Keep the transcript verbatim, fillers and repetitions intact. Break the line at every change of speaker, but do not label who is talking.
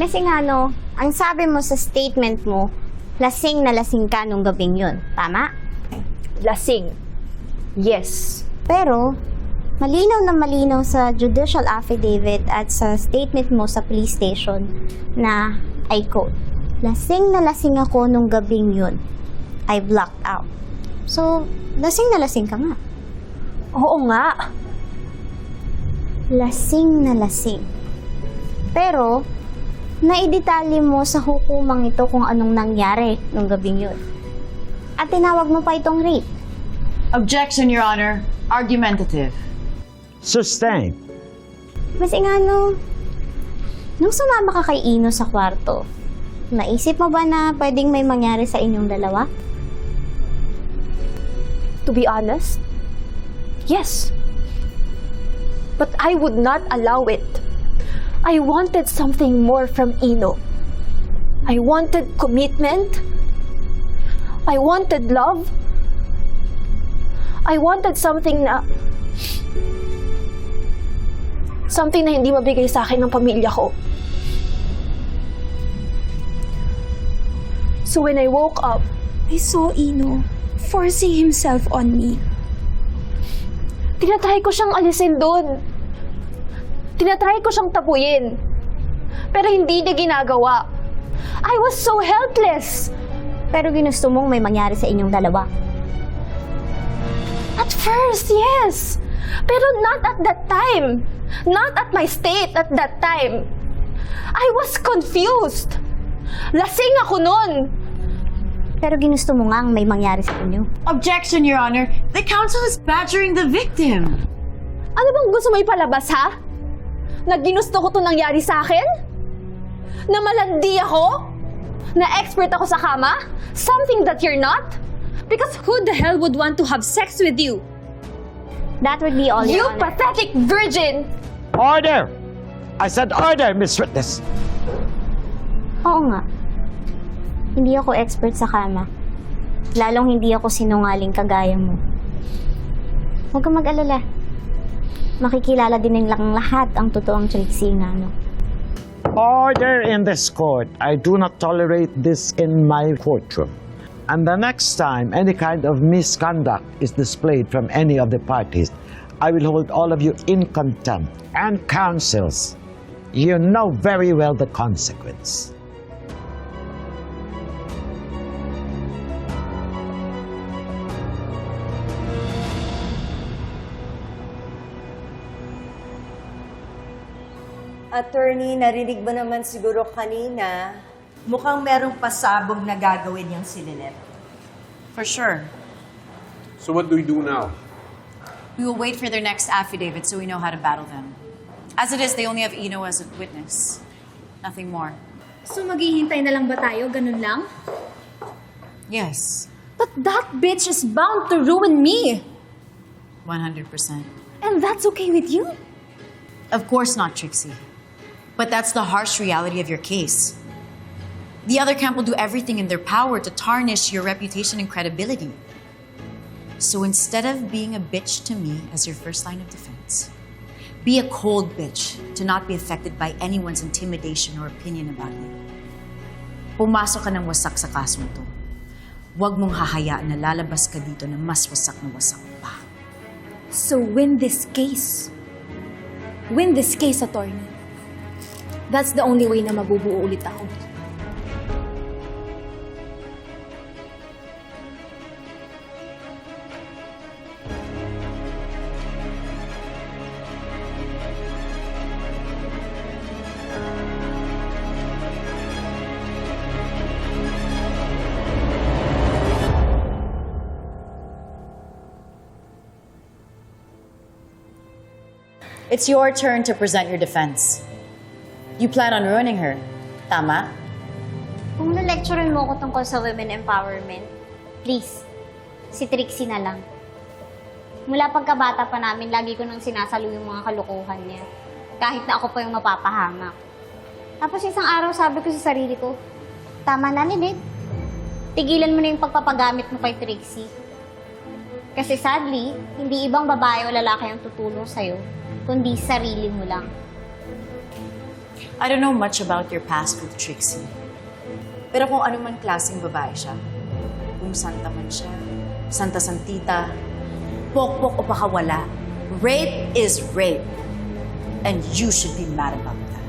Miss Ingano, ang sabi mo sa statement mo, lasing na lasing ka nung gabing yun. Tama?
Lasing. Yes.
Pero, malinaw na malinaw sa judicial affidavit at sa statement mo sa police station na, I quote, lasing na lasing ako nung gabing yun. I blacked out. So, lasing na lasing ka nga.
Oo nga.
Lasing na lasing. Pero, naidetalye mo sa hukumang ito kung anong nangyari nung gabing yun. At tinawag mo pa itong rape.
Objection, Your Honor. Argumentative.
Sustained.
Mas Ingano, nung sumama ka kay Ino sa kwarto, naisip mo ba na pwedeng may mangyari sa inyong dalawa?
To be honest, yes. But I would not allow it. I wanted something more from Ino. I wanted commitment. I wanted love. I wanted something na... Something na hindi mabigay sa akin ng pamilya ko. So when I woke up, I saw Ino forcing himself on me. Tinatry ko siyang alisin doon. Tinatry ko siyang tapuyin. Pero hindi niya ginagawa. I was so helpless.
Pero ginusto mong may mangyari sa inyong dalawa.
At first, yes. Pero not at that time. Not at my state at that time. I was confused. Lasing ako nun.
Pero ginusto mo nga ang may mangyari sa inyo.
Objection, Your Honor. The counsel is badgering the victim.
Ano bang gusto mo ipalabas, ha? Na ginusto ko to nangyari sa akin? Na malandi ako? Na expert ako sa kama? Something that you're not? Because who the hell would want to have sex with you?
That would be all,
You
Your Honor.
pathetic virgin!
Order! I said order, Miss Witness.
Oo nga. Hindi ako expert sa kama. Lalong hindi ako sinungaling kagaya mo. Huwag kang mag-alala. Makikilala din nilang lahat ang totoong Trixie Ingano.
Order in this court. I do not tolerate this in my courtroom. And the next time any kind of misconduct is displayed from any of the parties, I will hold all of you in contempt. And counsels, you know very well the consequence.
Attorney, narinig mo naman siguro kanina, mukhang merong pasabog na gagawin yung si Lynette.
For sure.
So what do we do now?
We will wait for their next affidavit so we know how to battle them. As it is, they only have Ino as a witness. Nothing more.
So maghihintay na lang ba tayo? Ganun lang?
Yes,
But that bitch is bound to ruin me!
one hundred percent.
And that's okay with you?
Of course not, Trixie. But that's the harsh reality of your case. The other camp will do everything in their power to tarnish your reputation and credibility. So instead of being a bitch to me as your first line of defense, be a cold bitch to not be affected by anyone's intimidation or opinion about you. Pumasok ka ng wasak sa kasong to. Huwag mong hahayaan na lalabas ka dito na mas wasak na wasak pa.
So win this case. Win this case, attorney. That's the only way na mabubuo ulit ako.
It's your turn to present your defense. You plan on ruining her, tama?
Kung na-lecturean mo ko tungkol sa women empowerment, please, si Trixie na lang. Mula pagkabata pa namin, lagi ko nang sinasalo yung mga kalukuhan niya. Kahit na ako pa yung mapapahamak. Tapos isang araw sabi ko sa sarili ko, tama na, Lynette. Tigilan mo na yung pagpapagamit mo kay Trixie. Kasi sadly, hindi ibang babae o lalaki ang tutulong sa'yo, kundi sarili mo lang.
I don't know much about your past with Trixie. Pero kung ano man klaseng babae siya, kung santa man siya, santa santita, pokpok o pakawala, rape is rape. And you should be mad about that.